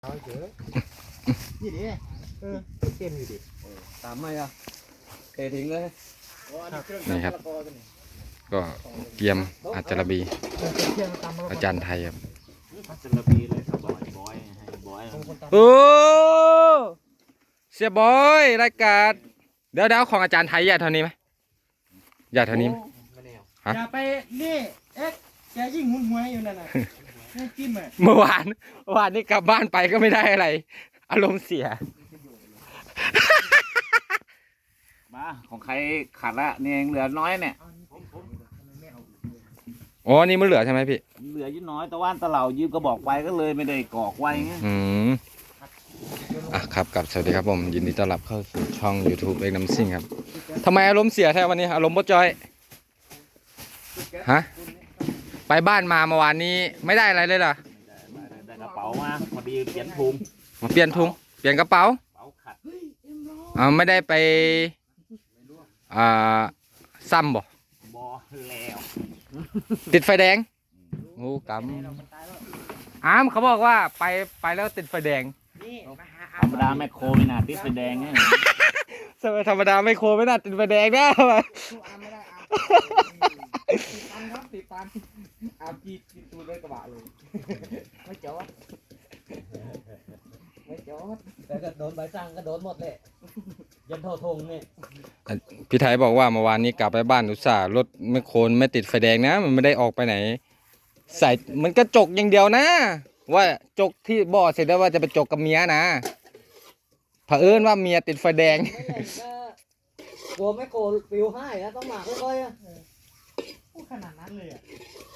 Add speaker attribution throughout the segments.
Speaker 1: เอาเยอะนี่ดิเต็มอยู่ดิ
Speaker 2: ตามไม่อะเททิ้งเลย
Speaker 3: นี่ครับก็เกียมอาจารบีอาจารย์ไทยครับ
Speaker 2: จะระบีเลยครับบอยให้บอย
Speaker 3: โอ้เสียบอยรายการเดี๋ยวของอาจารย์ไทยใหญ่เท่านี้ไหมใหญ่เท่านี้
Speaker 1: อย่าไปนี่แกยิ่งหุ่นหวยอยู่นั่นน่ะไม่จิ้มอ่ะ
Speaker 3: เมื่อวานนี้กลับบ้านไปก็ไม่ได้อะไรอารมณ์เสีย
Speaker 2: มาของใครขาดละเนี่ยเหลือน้อยเนี่ย
Speaker 3: อ๋อนี่มันเหลือใช่ไหมพี่
Speaker 2: เหลือยิ่น้อยตะวันตะเหล่ายืมก็บอกไปก็เลยไม่ได้กอกไว้ไง
Speaker 3: ครับกับสวัสดีครับผมยินดีต้อนรับเข้าสู่ช่อง YouTube เอกน้ำซิ่งครับทำไมอารมณ์เสียแท้วันนี้อารมณ์บ่จอยฮะไปบ้านมาเมื่อวานนี้ไม่ได้อะไรเลยเหรอ
Speaker 2: ได้กระเป๋ามาพอดีเปลี่ยนถุง
Speaker 3: มาเปลี่ยนถุงเปลี่ยนกระเป๋าไม่ได้ไปซ้ำบ่
Speaker 2: แล้ว
Speaker 3: ติดไฟแดงโอ้กำเขาบอกว่าไปแล้วติดไฟแดง
Speaker 2: ธรรมดาแม่โคไม่น่าติดไฟแดงเนี่ย
Speaker 3: ธรรมดาไม่โคไม่น่าติดไฟแดงนะ
Speaker 1: ติดตันอาจีตูด้วยกระบะเลยไม่จอดแต่ก็โดนใบสั่งก็โดนหมดเลยยันโททงเนี่ย
Speaker 3: พี่ไทยบอกว่าเมื่อวานนี้กลับไปบ้านอุตส่าห์รถไม่โคนไม่ติดไฟแดงนะมันไม่ได้ออกไปไหนใส่มันก็จกอย่างเดียวนะว่าจกที่บ่อเสร็จแล้วว่าจะไปจกกับเมียนะเผอิญว่าเมียติดไฟแดง
Speaker 1: กลัวไม่โกนปิวให้นะต้องหมากค่อยๆอ่ะขนาดนั้นเลยอ่ะ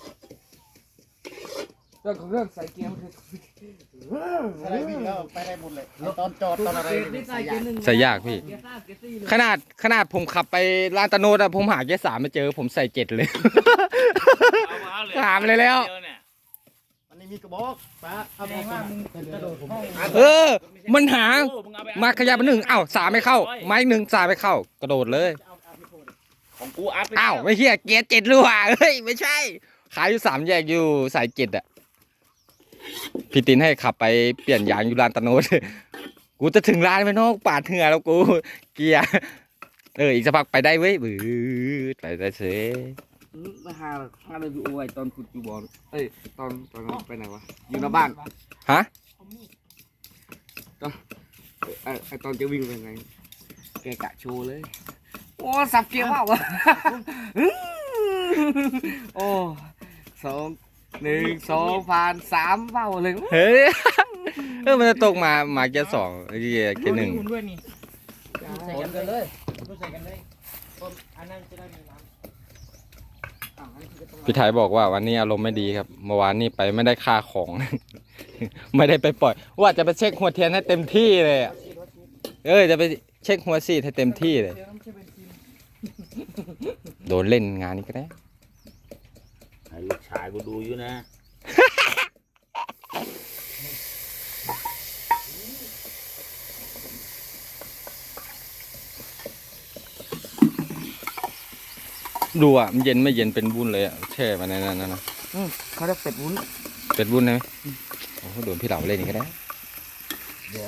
Speaker 1: เรื่องของเรื่องใส่เกียร์มันคืออะไรวิ่งแล้วไปได้หมดเลยตอนจอดตอนอะไร
Speaker 3: ใส่ยากพี่ขนาดผมขับไปลานตะโนดอะผมหาเกียร์3ไม่เจอผมใส่7เลยถามเลยแล้ว
Speaker 1: มันมีกระบอกป้าเอาไปว่ามึงกระโดดผม
Speaker 3: มันหามาขยับมา1อ้าว3ไม่เข้าไม้1 3ไม่เข้ากระโดดเลย
Speaker 2: ของกูอัพ
Speaker 3: อ้าวไม่เหี้ยเกียร์7รั่วเฮ้ยไม่ใช่ขายอยู่3แยกอยู่สาย7อะพี่ตินให้ขับไปเปลี่ยนยางอยู่ลานตะโนดกูจะถึงร้านไปนอกปาดเหงื่อแล้วกูเกียร์อีกสักพักไปได้เว้ยไปได้เสย
Speaker 2: มาหาเลยพี่อวยตอนขุดอยู่บ่อตอนไปไหนวะอยู่หน้าบ้าน
Speaker 3: ฮะ
Speaker 2: ตอนจะวิ่งไปไงแกกะโชว์เลยโอ้สับเกียร์ว่าวะโอ้1 2ผ่าน3เบ้าเลย
Speaker 3: เฮ้ยมันจะตกมาเกียร์2เกียร์1
Speaker 1: ด้วยนี่ใส่กันเลยใส่กันเลยอันนั้นจะได้มีน้
Speaker 3: ำพี่ไทยบอกว่าวันนี้อารมณ์ไม่ดีครับเมื่อวานนี้ไปไม่ได้ค่าของ ไม่ได้ไปปล่อยว่าจะไปเช็คหัวเทียนให้เต็มที่เลยจะไปเช็คหัวซีดให้เต็มที่เลยโดนเล่นงานนี้ก็ได้
Speaker 2: ลูกชายกูดูอยู่นะ
Speaker 3: ดูอ่ะมันเย็นไม่เย็นเป็นวุ้นเลยอ่ะแช่มาในนั้นนะ
Speaker 1: เขาเรียกเป็ดวุ้น
Speaker 3: ใช่ไหมโอ้โดนพี่เหล่าเล่นนี่ก็ได้
Speaker 1: เดี๋ยว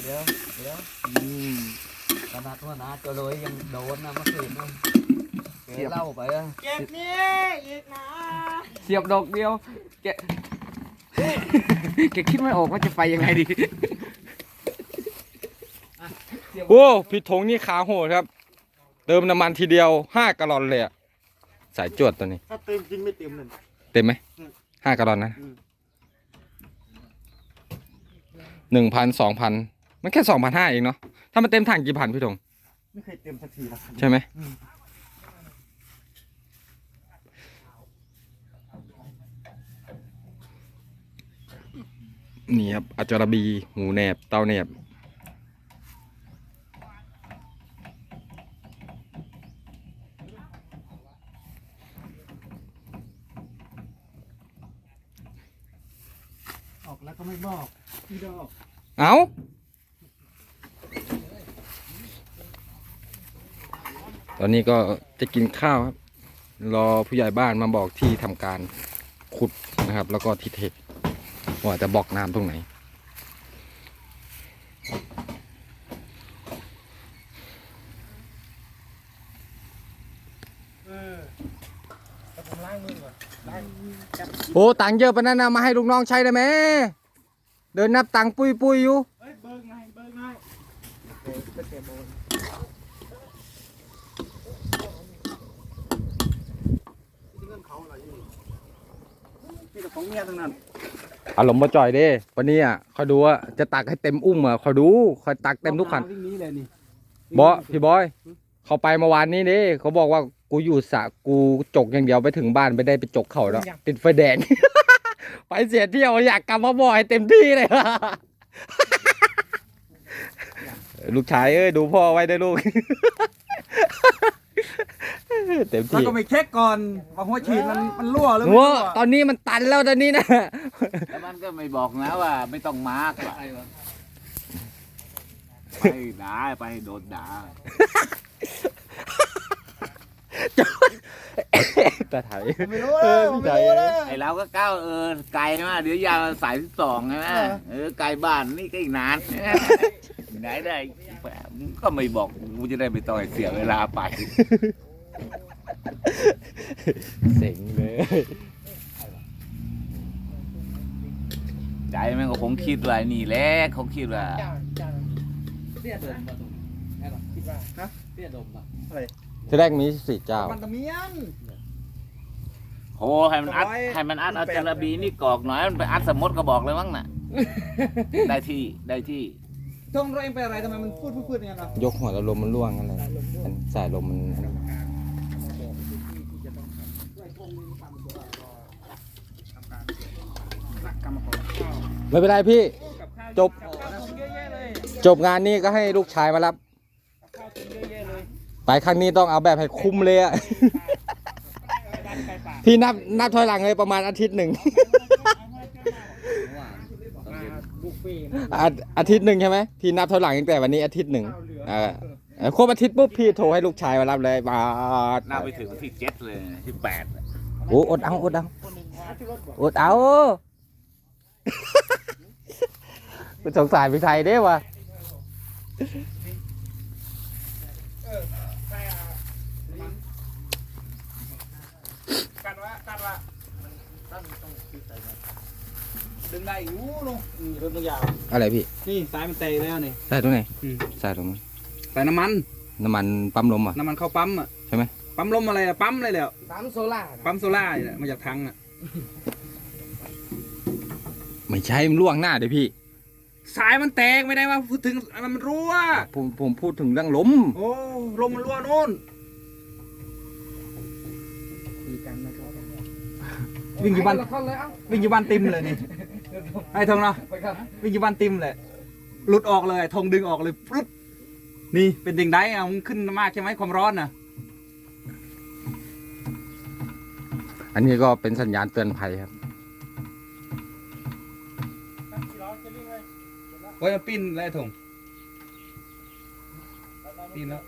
Speaker 1: ขนาดว่านะจะเลยยังโดนนะเมื่อคืนนะเล่าไปอ่ะเก็บนี่อีกนะ
Speaker 3: เสียบดอกเดียวแกคิดไม่ออกว่าจะไปยังไงดีโอ้พี่ธงนี่ขาโหดครับเติมน้ำมันทีเดียว5 กะลอนเลยอ่ะสายจวดตัวนี้
Speaker 1: ถ้าเต็มจริงไม่เต็มเลย
Speaker 3: เต็มไหม5 กะลอนนะ1,000 2,000มันแค่2,500เองเนาะถ้ามันเต็มถังกี่พันพี่ธง
Speaker 1: ไม่เคยเต็มสักที
Speaker 3: ใช่ไหมนี่ครับอาจารบีหูแนบเต้าแนบ
Speaker 1: ออกแล้วก็ไม่บอกพี่ดอก
Speaker 3: เอาตอนนี้ก็จะกินข้าวครับรอผู้ใหญ่บ้านมาบอกที่ทำการขุดนะครับแล้วก็ที่เทว่าจะบล็อกน้ำตรงไหนโอ้ตังค์เยอะปะนั่นนะมาให้ลูกน้องใช้ได้ไหมเดินนับตังค์ปุยอยู่
Speaker 1: ของเมียทั้งนั้น
Speaker 3: อารมณ์มาจ่อยเด้วันนี้อ่ะคอยดูว่าจะตักให้เต็มอุ้มอ่ะคอยดูคอยตักเต็มทุกคัน
Speaker 1: วิ่งนี้เลยนี่
Speaker 3: พี่บอยเขาไปเมื่อวานนี้เด้เขาบอกว่ากูอยู่สระกูจกอย่างเดียวไปถึงบ้านไม่ได้ไปจกเขาแล้วติดไฟแดง ไปเสียเที่ยวอยากกลับมาบ่อยเต็มที่เลย ลูกชายเอ้ยดูพ่อไว้ได้ลูก เต็ม
Speaker 1: แล้ว
Speaker 3: ที่
Speaker 1: ก็ไม่เช็คก่อนว่าหัวฉีดมันรั่วหรือไม่
Speaker 3: โอ้
Speaker 1: รั่ว
Speaker 3: ตอนนี้มันตันแล้วตอนนี้นะ
Speaker 4: แล้วมันก็ไม่บอกนะว่าไม่ต้องมาร์กว่ะไปด่าไปโดนด่า
Speaker 3: แต่ไทย
Speaker 1: ไม่รู้เลยไม่รู้เลย
Speaker 4: ไอเราก็ก้าวไกลมาเดี๋ยวยาวสาย12ใช่ไหมไกลบ้านนี่ก็อีกนานไหนได้ก็ไม่บอกกูจะได้ไม่ต้องเสียเวลาไป
Speaker 3: เซ็งเลย
Speaker 4: ใจมันก็คงคิดว่านี่แหละเขาคิดว่า
Speaker 1: เตี้ยเดินมาตรงนี้คิดว่าฮะเตี้ยดมอะอะไร
Speaker 3: ที่แรกมีสี่เจ้า
Speaker 1: มันตะเมียน
Speaker 4: โหให้มันอัดเอาจาระบีนี่กอกหน่อยมันไปอัดสมดก็บอกเลยมั้งน่ะได้ที่
Speaker 1: ทงเราเองเป็นอะไรทำไมมันพูดอย่างนั้นเนาะ
Speaker 3: ยกหัวแล้วลมมันร่วงอะไรสายลมมันไม่เป็นไรพี่ จบงานนี้ก็ให้ลูกชายมารับ ไปครั้งนี้ต้องเอาแบบให้คุ้มเลยอะ พี่นับถอยหลังเลยประมาณอาทิตย์หนึ่ง อาทิตย์หนึ่งใช่ไหมพี่นับถอยหลังตั้งแต่วันนี้อาทิตย์หนึ่งครบอาทิตย์ปุ๊บพี่โทรให้ลูกชายมารับเลยบาด
Speaker 4: น่าไปถึงที่7เลยที่8
Speaker 3: โอ้อดเอาเป็นสงสารพี่ไทยเด้วะ
Speaker 1: ดึงได้อยู่ลุงนี่รถมันยาว
Speaker 3: อะไรพี่
Speaker 1: นี่สายมันเตะแล้วนี่
Speaker 3: ใส่ตรงไหนใส่ตรงนั้น
Speaker 1: ใส่น้ำมัน
Speaker 3: น้ำมันปั๊มลมอ่ะ
Speaker 1: น้ำมันเข้าปั๊มอ่ะ
Speaker 3: ใช่ไหม
Speaker 1: ปั๊มลมอะไรอะปั๊มอะไรแล้ว
Speaker 2: ปั๊มโซล่า
Speaker 1: ปั๊มโซล่าเนี่ยมาจากถังอ่ะ
Speaker 3: ไม่ใช่มันล่วงหน้าเดี๋ยวพี่
Speaker 1: สายมันแตกไม่ได้ว่าพูดถึงมันรั่ว
Speaker 3: ผมพูดถึงเรื่องลม
Speaker 1: โอ้ลมมันรั่วโน่นวิ่งอยู่บ้านวิ่งอยู่บ้านติมเลยนี่ไอ้ทงเนาะวิ่งอยู่บ้านติมเลยหลุดออกเลยทงดึงออกเลยปุ๊บนี่เป็นดิ่งได้อะมันขึ้นมากใช่ไหมความร้อนน่ะ
Speaker 3: อันนี้ก็เป็นสัญญาณเตือนภัยครับ
Speaker 1: โอ้ยมันปิ้นแล้วไอ้ทงปิ้นแล้ว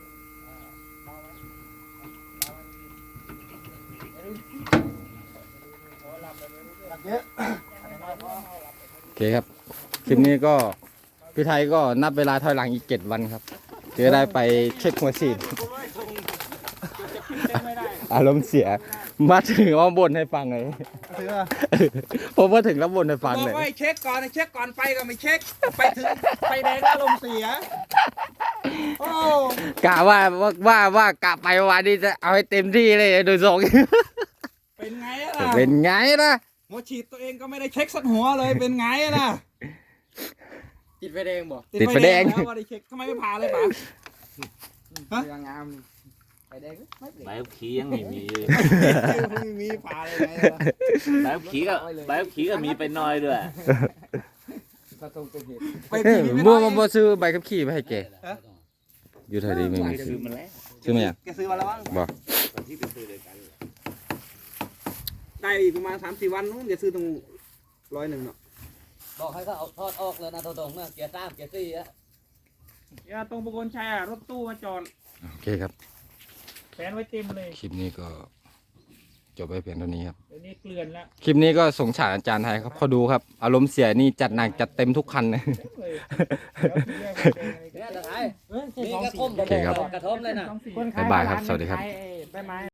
Speaker 3: โอเคครับ คลิปนี้ก็พี่ไทยก็นับเวลาถอยหลังอีก7 วันครับจะได้ไปเช็คหัวฉีด อารมณ์เสีย มาถึงว่าบ่นให้ฟังเลย ผมมาถึงแล้วบ่นให้ฟัง
Speaker 1: บอ
Speaker 3: เล
Speaker 1: ก
Speaker 3: ย
Speaker 1: ว่าเช็คก่อนไปก็ไม่เช็คไปถึงไฟแดงก็ลมณ์เสียโอ้
Speaker 3: กะว่ากะไปวันนี้จะเอาให้เต็มที่เลยโดยทรง
Speaker 1: เป็นไงล่ะ
Speaker 3: เป็นไงล่ะ
Speaker 1: หัวฉีดตัวเองก็ไม่ได้เช็คสักหัวเลยเป็นไงล่ะ
Speaker 2: ติดไฟแดงบ่
Speaker 3: ติดไฟแดง
Speaker 1: แล้วว่าได้เช็คทำไมไม่ผ่าเลยป๋าฮะ
Speaker 2: เรืองามไฟแดงไม่ติด
Speaker 4: ใบขับขี่ยังไม่มีเลย
Speaker 1: ไม่มีผ่าเลยไงล่ะ
Speaker 4: ใบขับขี่ก็มีไปน้อยด้วย
Speaker 2: กระทงเป็นเหตุ
Speaker 1: ไปขี่ไม่
Speaker 3: มั่ว
Speaker 1: ได้
Speaker 3: มาซื้อใบขับขี่ไปให้แก
Speaker 1: ฮะ
Speaker 3: อยู่แถวนี้ไม่มีซื้อ
Speaker 4: ซื้อมาแล้ว
Speaker 3: ซื้อไหมอ่ะ
Speaker 1: แกซื้อมาแล้วมั้ง
Speaker 3: บอก
Speaker 4: ตอนที่ไปซื้อเลยกัน
Speaker 1: ได้อีกประมาณ3-4 วันนู้นจะซื้อตรง100เนาะ
Speaker 2: บอกให้เขาเอาทอดออกเลยนะตรงๆนะเกียร์3เกียร์4อะ
Speaker 5: อย่าตรงประกลชัยรถตู้มาจอด
Speaker 3: โอเคครับ
Speaker 5: แฟนไว้เต็มเลย
Speaker 3: คลิปนี้ก็จบไปเพียงเท่านี้ครับ
Speaker 5: เดี๋ยวนี้เกลื่อนแล้ว
Speaker 3: คลิปนี้ก็สงสารอาจารย์ไทยครับเขาดูครับ อารมณ์เสียนี่จัดหนักจัดเต็มทุกคันเลย
Speaker 5: เลยเดี๋ยวทีแรกมันเป็นไง
Speaker 2: เนี่ยตะไคร้มีกระทม
Speaker 3: โอเคครับ
Speaker 2: กระทมเลยนะ
Speaker 5: คนขาย
Speaker 3: บ๊ายบายครับสวัสดีครับ
Speaker 5: ใบไม้